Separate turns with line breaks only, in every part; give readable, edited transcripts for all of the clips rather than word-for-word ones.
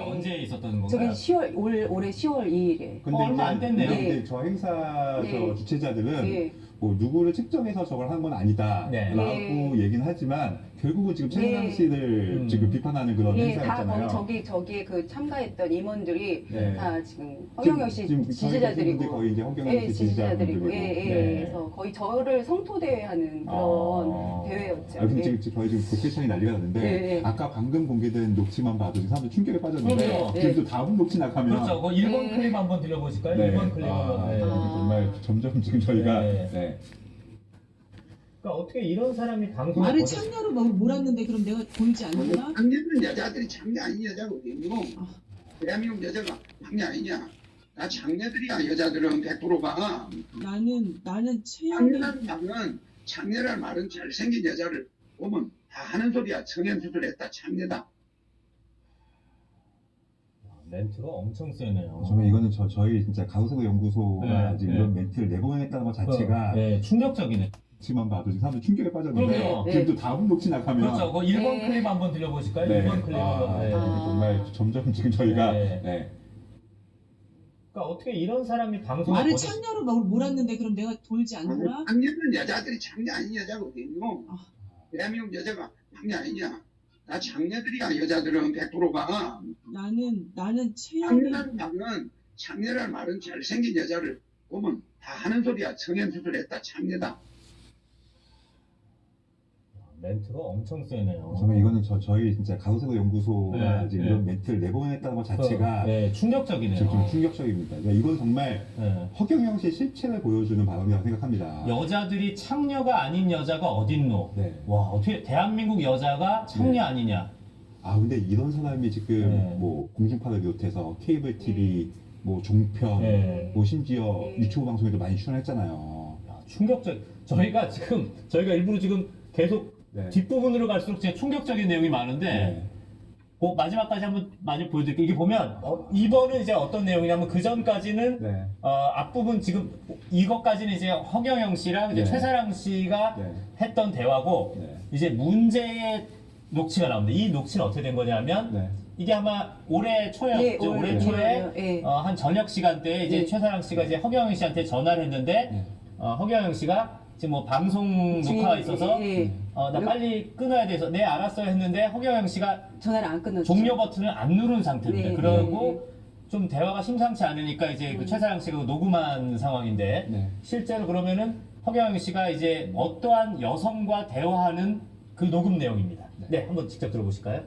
언제 있었던
저게
건가요?
10월 올해 10월 2일에.
근데
얼마 안 됐네요.
근데 저 행사 저 주최자들은
네.
뭐 누구를 측정해서 저걸 한 건 아니다라고
네.
얘기는 하지만 결국은 지금 최은상 씨를 지금 비판하는 그런
다
행사였잖아요.
저기에 그 참가했던 임원들이
네.
다 지금 허경영 씨
지금
지지자들이고,
거의 이제 허경영 씨 지지자들이고.
그래서 거의 저를 성토대회하는 그런 대회였죠.
지금 거의 지금 국회청이 난리가 났는데 아까 방금 공개된 녹취만 봐도 지금 사람들 충격에 빠졌는데 지금 또 다음 녹취 나가면
그렇죠. 그 1번 클립 한번 들려보실까요?
네.
1번 클립 한번.
정말 점점 지금 저희가
그러니까 어떻게 이런 사람이 방송에
나를 창녀로 몰았는데 그럼 내가 돌지 않는다?
장녀는 여자들이 장녀 아닌 여자가 어디있노? 대한민국 여자가 장녀 아니냐? 나 장녀들이야. 여자들은 100%가
나는 최악의
장녀라는 말은, 장녀라는 말은 잘생긴 여자를 보면 다 하는 소리야. 성형수술했다 장녀다.
멘트가 엄청 세네요.
정말 이거는 저희 진짜 가우세고 연구소가 지금 이런 멘트를 내보냈다는 것 자체가
충격적이네.
녹취만 봐도 지금 사람들 충격에 빠졌는데 지금 또 다음 녹취 나가면
그렇죠. 그 1번 클립 한번 들려보실까요? 1번 클립 한번.
정말 점점 지금 저희가
그러니까 어떻게 이런 사람이 방송에
나를 창녀로 몰았는데 그럼 내가 돌지 않는다?
장녀는 여자들이 장녀 아닌 여자가 어디있노? 대한민국 여자가 장녀 아니냐? 나 장녀들이야. 여자들은 100%가
나는 최악의
장녀라는 말은, 장녀라는 말은 잘생긴 여자를 보면 다 하는 소리야. 성형수술했다 장녀다.
멘트가 엄청 세네요.
정말 이거는 저희 진짜 가우세고 연구소가 지금 이런 멘트를 내보냈다는 것 자체가
충격적이네요.
좀 충격적입니다. 이건 정말 허경영 씨의 실체를 보여주는 발언이라고 생각합니다.
여자들이 창녀가 아닌 여자가 어딨노? 와, 어떻게 대한민국 여자가 창녀 아니냐?
근데 이런 사람이 지금 뭐 공중파를 비롯해서 케이블 TV, 뭐 종편, 뭐 심지어 유튜브 방송에도 많이 출연했잖아요.
충격적. 저희가 일부러 지금 계속 뒷부분으로 갈수록 제가 충격적인 내용이 많은데 그 마지막까지 한번 많이 보여드릴게요. 이게 보면 2번은 이제 어떤 내용이냐면 그 전까지는 앞부분 지금 이것까지는 이제 허경영 씨랑 이제 최사랑 씨가 했던 대화고 이제 문제의 녹취가 나옵니다. 이 녹취는 어떻게 된 거냐면 이게 아마 올해 초였죠. 올해 초에 한 저녁 시간대에 이제 최사랑 씨가 이제 허경영 씨한테 전화를 했는데 허경영 씨가 지금 뭐 방송 녹화가 있어서 나 빨리 끊어야 돼서 네 알았어요 했는데 허경영 씨가
전화를 안 끊었죠.
종료 버튼을 안 누른 상태입니다. 그러고 좀 대화가 심상치 않으니까 이제 그 최사랑 씨가 녹음한 상황인데 실제로 그러면은 허경영 씨가 이제 어떠한 여성과 대화하는 그 녹음 내용입니다. 네, 한번 직접 들어보실까요?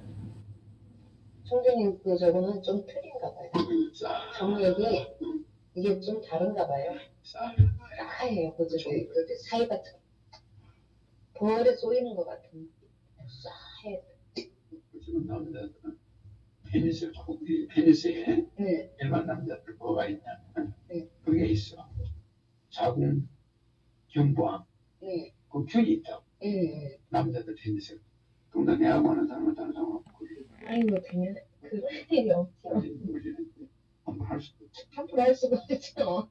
총장님, 저거는 좀 틀린가 봐요. 정력이 이게 좀 다른가 봐요. 싸해요. 그 사이 같은 벌에 쏘이는 것 같은 싸해.
요즘 남자들은 페니스에 일반 남자들 뭐가 있냐면 그게 있어. 자궁, 경부암, 그 균이 있다고. 남자들 페니스. 근데 내가 보는 사람은 다른 사람 없고.
아이고, 그냥 그럴 일이 없죠.
우리는 한번 할 수도 있지.
함부로 할 수가 없죠.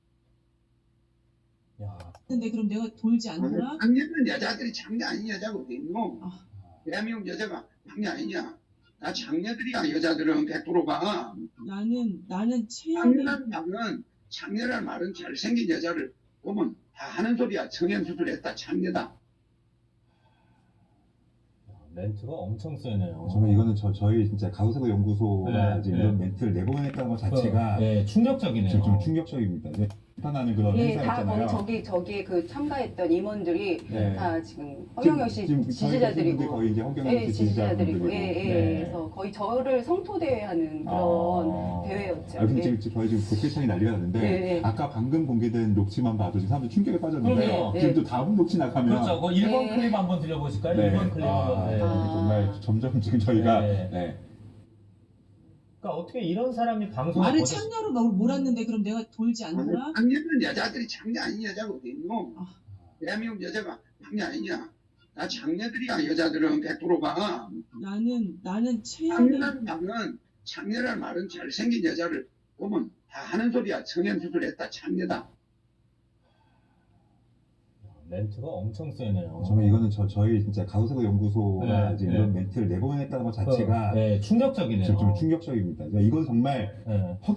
근데 그럼 내가 돌지 않는다?
장녀는 여자들이 장녀 아닌 여자가 어디있노? 대한민국 여자가 장녀 아니냐? 나 장녀들이야. 여자들은 100%가
나는 최악의
장녀라는 말은, 장녀라는 말은 잘생긴 여자를 보면 다 하는 소리야. 성형수술했다 장녀다.
멘트가 엄청 세네요.
정말 이거는 저희 진짜 가우세고 연구소가 지금 이런 멘트를 내보냈다는 것 자체가
충격적이네요.
좀 충격적입니다. 비판하는 그런
다
행사였잖아요.
저기에 그 참가했던 임원들이 다 지금 허경영 씨 지지자들이고,
거의 이제 허경영 씨 지지자들이고.
그래서 거의 저를 성토대회하는 그런 대회였죠.
지금 거의 지금 국회청이 난리가 났는데 아까 방금 공개된 녹취만 봐도 지금 사람들 충격에 빠졌는데 지금 또 다음 녹취 나가면
그렇죠. 그 1번 클립 한번 들려보실까요? 1번 클립 한번.
정말 점점 지금 저희가
그러니까 어떻게 이런 사람이 방송에
나를 창녀로 몰았는데 그럼 내가 돌지 않는다?
장녀는 여자들이 장녀 아닌 여자가 어디있노? 대한민국 여자가 장녀 아니냐? 나 장녀들이야. 여자들은 100%가
나는 최악의
장녀라는 말은, 장녀라는 말은 잘생긴 여자를 보면 다 하는 소리야. 성형수술했다 장녀다.
멘트가 엄청 세네요.
정말 이거는 저희 진짜 가로세로 연구소가
네,
이제
네.
이런 멘트를 내보냈다는 것 자체가
네, 충격적이네요.
좀 충격적입니다. 이건 정말
네.